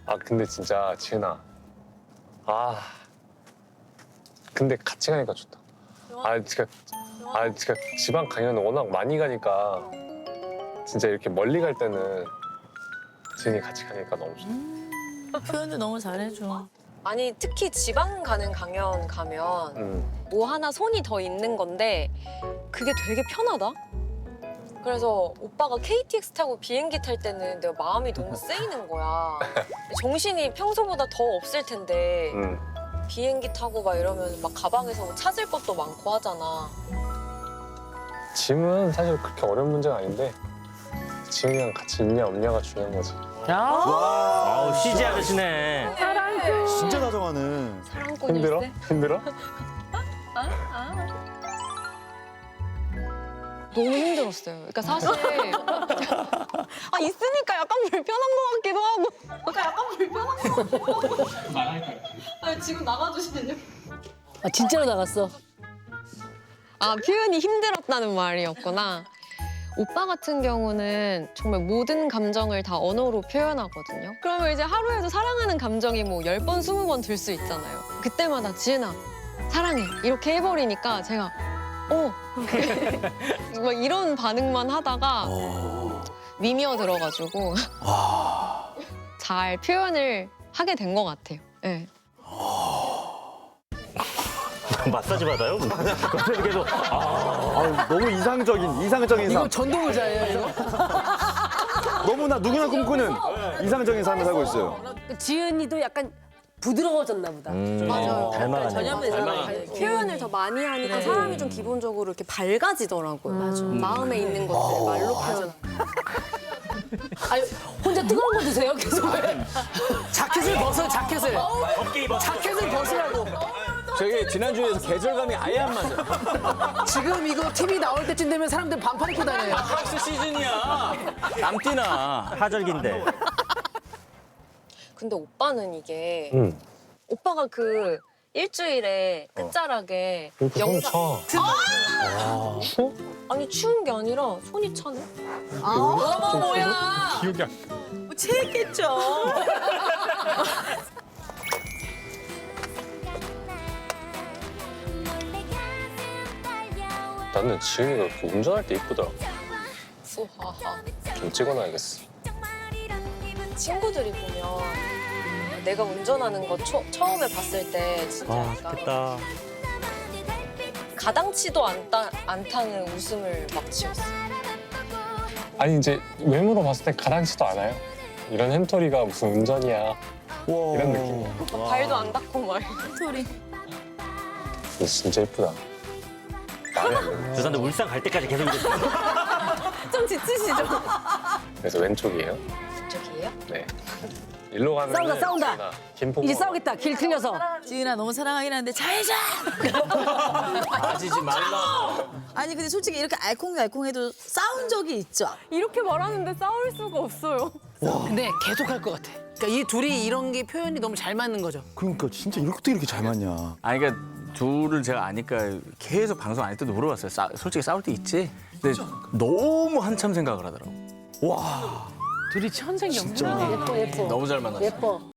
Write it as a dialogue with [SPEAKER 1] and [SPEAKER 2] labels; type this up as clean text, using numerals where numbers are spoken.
[SPEAKER 1] 아 근데 진짜 지은아. 아 근데 같이 가니까 좋다. 진짜 지방 강연을 워낙 많이 가니까 진짜 이렇게 멀리 갈 때는 지은이 같이 가니까 너무 좋다.
[SPEAKER 2] 표현도 너무 잘해줘.
[SPEAKER 3] 아니 특히 지방 가는 강연 가면 뭐 하나 손이 더 있는 건데 그게 되게 편하다. 그래서 오빠가 KTX 타고 비행기 탈 때는 내가 마음이 너무 쓰이는 거야. 정신이 평소보다 더 없을 텐데 비행기 타고 막 이러면 막 가방에서 뭐 찾을 것도 많고 하잖아.
[SPEAKER 1] 짐은 사실 그렇게 어려운 문제가 아닌데 지은이랑 같이 있냐 없냐가 중요한 거지.
[SPEAKER 4] 아우 CG 아저씨네.
[SPEAKER 5] 진짜 다정하네.
[SPEAKER 3] 사랑꾼일세?
[SPEAKER 1] 힘들어? 힘들어?
[SPEAKER 3] 너무 힘들었어요. 그러니까 사실 있으니까 약간 불편한 것 같기도 하고. 지금 나가주시면요.
[SPEAKER 2] 진짜로 나갔어.
[SPEAKER 3] 표현이 힘들었다는 말이었구나. 오빠 같은 경우는 정말 모든 감정을 다 언어로 표현하거든요. 그러면 이제 하루에도 사랑하는 감정이 뭐 10번, 20번 들 수 있잖아요. 그때마다 지은아, 사랑해. 이렇게 해버리니까 제가 막 이런 반응만 하다가 미미어 들어가지고 잘 표현을 하게 된 것 같아요. 네.
[SPEAKER 4] 마사지 받아요? 갑자기 계속
[SPEAKER 5] 너무 이상적인 삶.
[SPEAKER 2] 전동 의자예요, 이거?
[SPEAKER 5] 너무나 누구나 꿈꾸는 이상적인 삶을 살고 있어요.
[SPEAKER 2] 지은이도 약간 부드러워졌나 보다.
[SPEAKER 3] 맞아요.
[SPEAKER 4] 닮아가네.
[SPEAKER 2] 전염되잖아.
[SPEAKER 3] 표현을 더 많이 하니까 사람이 좀 기본적으로 이렇게 밝아지더라고요. 맞아. 마음에 있는 것들 말로 표현.
[SPEAKER 2] 아니, 혼자 뜨거운 거 드세요? 계속 왜? 자켓을 벗어, 자켓을.
[SPEAKER 4] 덥게 입어.
[SPEAKER 2] 자켓을 벗으라고.
[SPEAKER 6] 저기 지난주에서 계절감이 아예 안 맞아.
[SPEAKER 2] 지금 이거 TV 나올 때쯤 되면 사람들 반팔 입고 다녀요.
[SPEAKER 6] 프랑스 시즌이야. 남띠나.
[SPEAKER 4] 하절기인데.
[SPEAKER 3] 근데 오빠는 이게 오빠가 그 일주일에 끝자락에
[SPEAKER 1] 이렇게 손 쳐.
[SPEAKER 3] 추워? 아니 추운 게 아니라 손이 차네.
[SPEAKER 2] 어머, 뭐야.
[SPEAKER 1] 기억이 안 나.
[SPEAKER 2] 뭐 체했겠죠.
[SPEAKER 1] 나는 지은이가 이렇게 운전할 때 이쁘더라.
[SPEAKER 3] 우하하.
[SPEAKER 1] 좀 찍어놔야겠어.
[SPEAKER 3] 친구들이 보면 내가 운전하는 거 처음에 봤을 때 진짜
[SPEAKER 4] 아
[SPEAKER 3] 약간
[SPEAKER 4] 좋겠다.
[SPEAKER 3] 가당치도 않다는 웃음을 막 지었어.
[SPEAKER 1] 아니 이제 외모로 봤을 때 가당치도 않아요. 이런 햄토리가 무슨 운전이야. 이런 느낌이야.
[SPEAKER 3] 발도 안 닿고 막.
[SPEAKER 2] 소리.
[SPEAKER 1] 근데 진짜 이쁘다. 말이 안 돼.
[SPEAKER 4] 죄송한데 울산 갈 때까지 계속 이랬어요.
[SPEAKER 3] 좀 지치시죠?
[SPEAKER 1] 그래서 왼쪽이에요.
[SPEAKER 3] 저기예요?
[SPEAKER 1] 네. 일로 가면
[SPEAKER 2] 싸운다.
[SPEAKER 1] 김포.
[SPEAKER 2] 이제 싸우겠다, 길 틀려서.
[SPEAKER 7] 지은아 너무 사랑하긴 한데 잘자.
[SPEAKER 6] 빠지지 말라.
[SPEAKER 7] 아니 근데 솔직히 이렇게 알콩달콩해도 싸운 적이 있죠.
[SPEAKER 3] 이렇게 말하는데 싸울 수가 없어요.
[SPEAKER 2] 근데 계속 할 것 같아. 그러니까 이 둘이 이런 게 표현이 너무 잘 맞는 거죠.
[SPEAKER 5] 그러니까 진짜 어떻게 이렇게 잘 맞냐.
[SPEAKER 6] 아니 그러니까 둘을 제가 아니까 계속 방송 안 할 때도 물어봤어요. 솔직히 싸울 때 있지? 근데 너무 한참 생각을 하더라고.
[SPEAKER 2] 둘이 천생연분이네. 예뻐, 예뻐.
[SPEAKER 6] 너무 잘 만났어.
[SPEAKER 2] 예뻐.